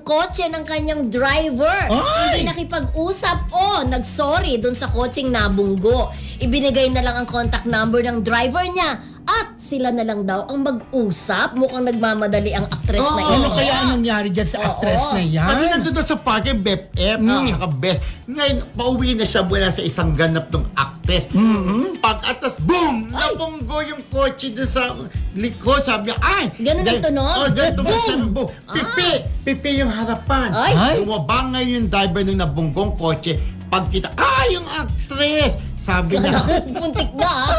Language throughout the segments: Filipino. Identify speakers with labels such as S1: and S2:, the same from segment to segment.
S1: kotse ng kanyang driver.
S2: Ay!
S1: Hindi nakipag-usap o nag-sorry dun sa kotseng nabunggo. Ibinigay na lang ang contact number ng driver niya at sila na lang daw ang mag-usap. Mukhang nagmamadali ang actress na ito.
S2: Ano kaya ang nangyari dyan sa actress na yan?
S3: Kasi nandun daw sa parke, Beth F, tsaka Beth. Ngayon, pauwi na siya mula sa isang ganap ng actress. Pag-atas, boom! Nabunggo yung kotse doon sa likod. Sabi niya, ay!
S1: Ganun ang tunog?
S3: Oh, ganun tunog.
S1: Boom!
S3: Sabi, boom! Pipi! Pipi yung harapan.
S1: Ay!
S3: Bumaba ngayon yung driver ng nabunggong kotse. Pagkita, yung actress! Sabi niya,
S1: Puntik na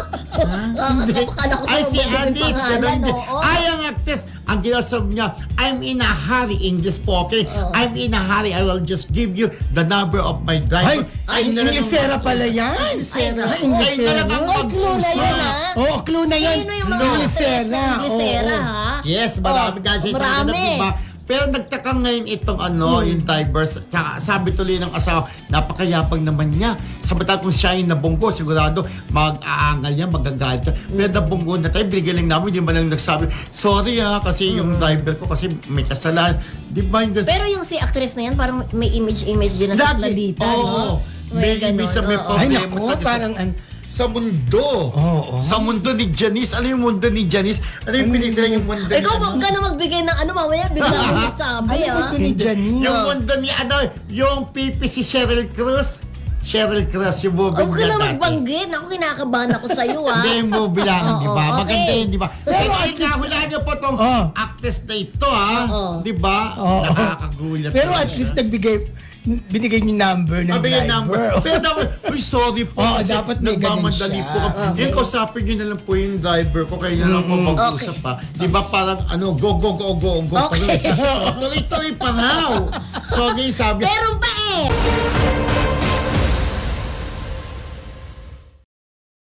S3: Hindi. Ay, si Anis, ganun din.
S1: Oo.
S3: Ay, ang actress, ang ginasabi niya, I'm in a hurry, English spoken. I'm in a hurry, I will just give you the number of my driver.
S2: Ay, Inglesera pala yan.
S3: Inglesera.
S2: Ay,
S3: Ay,
S2: Inglesera.
S3: talagang
S1: Ay, clue na yun, ha?
S2: Oo, clue na yan.
S1: Sino yung mga actress na Inglesera, ha?
S3: Yes, marami kasi sa
S1: marami.
S3: ganap, diba? Pero nagtaka ngayon itong yung divers. Tsaka sabi tuloy ng asawa, napakayapang naman niya. Samantal kung siya yung nabunggo, sigurado mag-aangal niya, magagalit siya. Pero nabunggo na tayo, binigyan lang namin, hindi man lang nagsabi, sorry kasi yung driver ko kasi may kasalanan. Di ba yung
S1: Pero yung si actress na yan, parang may image din na sa Pladita, no?
S3: May
S1: ganun,
S3: sa may
S1: oo.
S2: Ay,
S3: problema.
S2: naku,
S3: talaga
S2: parang
S3: sa mundo.
S2: Oo.
S3: Sa mundo ni Janice. Ano yung mundo ni Janice? Ano yung pelikula yung mundo ni
S1: Ikaw, huwag ka na magbigay ng mamaya bigla mo masabi,
S2: Ano
S1: ha?
S2: ito ni Janine?
S3: Yung mundo ni yung pipi si Cheryl Cruz. Cheryl Cruz, yung movie
S1: Huwag ka
S3: niya
S1: na
S3: dati.
S1: magbanggit. Ako, kinakabahan ako sa'yo, ha?
S3: Hindi yung movie lang,
S1: Oo,
S3: di ba?
S1: okay.
S3: Maganda yun, di ba? Pero
S2: Pero
S3: ay nahulaan niyo po tong actress na ito, ha?
S1: Oo.
S3: Di ba?
S2: Oo.
S3: Nakakagulat.
S2: Pero
S3: talaga
S2: at least
S3: siya.
S2: binigay niyo number ng
S3: Mabigay
S2: driver.
S3: number. Pero dapat, sorry po.
S2: Oo,
S3: kasi
S2: dapat may ganun
S3: nagmamadali
S2: siya.
S3: po kami.
S1: Okay.
S3: Yung kausapin niyo na lang po yung driver ko, kaya na lang po mag-usap pa. Di ba parang, go.
S1: Okay.
S3: Tuloy-tuloy pa raw. So, ngayon sabi,
S1: Meron pa